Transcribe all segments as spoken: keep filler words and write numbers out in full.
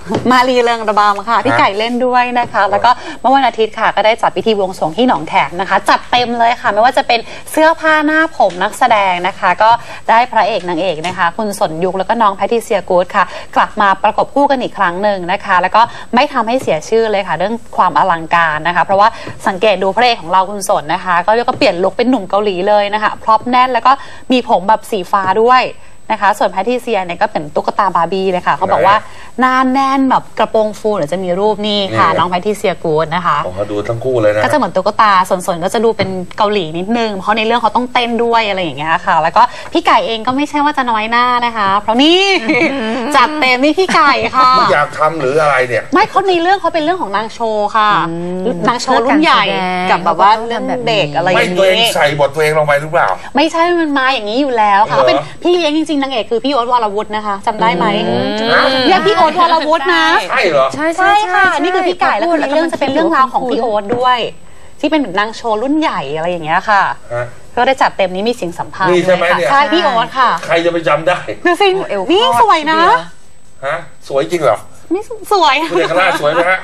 มาลีเริงระบำค่ะพี่ไก่เล่นด้วยนะคะแล้วก็เมื่อวันอาทิตย์ค่ะก็ได้จัดพิธีบวงสรวงที่หนองแขมนะคะจัดเต็มเลยค่ะไม่ว่าจะเป็นเสื้อผ้าหน้าผมนักแสดงนะคะก็ได้พระเอกนางเอกนะคะคุณสนยุคแล้วก็น้องแพทริเซียกู๊ดค่ะกลับมาประกบคู่กันอีกครั้งหนึ่งนะคะแล้วก็ไม่ทำให้เสียชื่อเลยค่ะเรื่องความอลังการนะคะเพราะว่าสังเกตดูพระเอกของเราคุณสนนะคะก็เรียกว่าเปลี่ยนลุคเป็นหนุ่มเกาหลีเลยนะคะพร็อพแน่นแล้วก็มีผมแบบสีฟ้าด้วยนะคะส่วนแพทริเซียเนี่ยก็เป็นตุ๊กตาบาร์บี้เลยค่ะเขาบอกว่าหน้าแน่นแบบกระโปรงฟูเดี๋ยวจะมีรูปนี่ค่ะน้องแพทริเซียกู๊ดนะคะผมก็ดูทั้งคู่เลยนะก็จะเหมือนตุ๊กตาส่วนๆก็จะดูเป็นเกาหลีนิดนึงเพราะในเรื่องเขาต้องเต้นด้วยอะไรอย่างเงี้ยค่ะแล้วก็พี่ไก่เองก็ไม่ใช่ว่าจะน้อยหน้านะคะเพราะนี่จัดเต็มนี่พี่ไก่ค่ะไม่อยากทำหรืออะไรเนี่ยไม่เขาในเรื่องเขาเป็นเรื่องของนางโชว์ค่ะนางโชว์รุ่นใหญ่กับแบบว่าเรื่องเด็กอะไรอย่างนี้ไม่ตัวเองใส่บทตัวเองลงไปหรือเปล่าไม่ใช่มันมาอย่างนี้อยู่แล้วค่ะเขาเป็นพี่เลี้ยงจริงๆนางเอกคือพี่โอ๊ตวรวุฒินะคะจำได้ไหมเนี่ยพี่โอ๊ตวรวุฒินะใช่เหรอใช่ใช่ค่ะนี่คือพี่ไก่แล้วในเรื่องจะเป็นเรื่องราวของพี่โอ๊ตด้วยที่เป็นนางโชว์รุ่นใหญ่อะไรอย่างเงี้ยค่ะก็ได้จัดเต็มนี้มีเสียงสัมภาษณ์นี่ใช่ไหมเนี่ยใช่พี่โอ๊ตค่ะใครจะไปจำได้ดูสินี่สวยนะฮะสวยจริงเหรอนี่สวยคุณเอกราชสวยไหมฮะ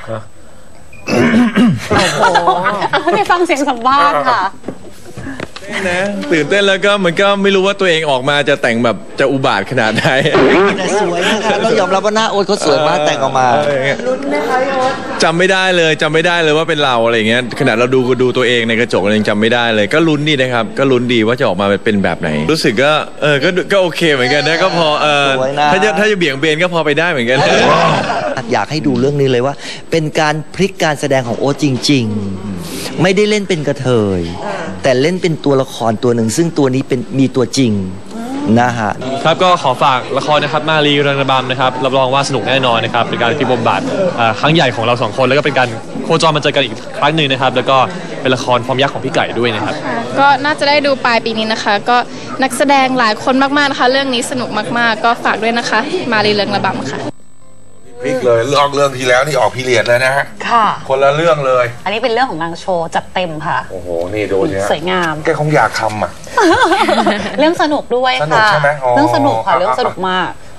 โอ้โหไปฟังเสียงสัมภาษณ์ค่ะนะตื่นเต้นแล้วก็มันก็ไม่รู้ว่าตัวเองออกมาจะแต่งแบบจะอุบาทขนาดไหนแต่สวยนะคะเรายอมรับว่าหน้าโอ๊ตเขาสวยมากแต่งออกมาลุ้นไหมคะพี่โอ๊ตจำไม่ได้เลยจำไม่ได้เลยว่าเป็นเราอะไรอย่างเงี้ยขนาดเราดูดูตัวเองในกระจกเรายังจำไม่ได้เลยก็ลุ้นดีนะครับก็ลุ้นดีว่าจะออกมาเป็นแบบไหนรู้สึกก็เออก็ก็โอเคเหมือนกันนะก็พอเออถ้าจะถ้าจะเบี่ยงเบนก็พอไปได้เหมือนกันอยากให้ดูเรื่องนี้เลยว่าเป็นการพลิกการแสดงของโอ๊ตจริงๆไม่ได้เล่นเป็นกระเทยแต่เล่นเป็นตัวละครตัวหนึ่งซึ่งตัวนี้เป็นมีตัวจริงนะฮะครับก็ขอฝากละครนะครับมาลีเริงระบำนะครับรับรองว่าสนุกแน่นอนนะครับเป็นการพิบมบาทครั้งใหญ่ของเราสองคนแล้วก็เป็นการโคจรมาเจอกันอีกครั้งหนึ่งนะครับแล้วก็เป็นละครฟอร์มยักษ์ของพี่ไก่ด้วยนะครับก็น่าจะได้ดูปลายปีนี้นะคะก็นักแสดงหลายคนมากๆนะคะเรื่องนี้สนุกมากๆก็ฝากด้วยนะคะมาลีเริงระบำค่ะพลิกเลยเรื่องเรื่องที่แล้วนี่ออกพีเรียดเลยนะฮะค่ะคนละเรื่องเลยอันนี้เป็นเรื่องของนางโชว์จัดเต็มค่ะโอ้โหนี่ดูเนี่ยสวยงามแกคงอยากทำอ่ะเรื่องสนุกด้วยค่ะสนุกใช่ไหมเรื่องสนุกค่ะเรื่องสนุกมาก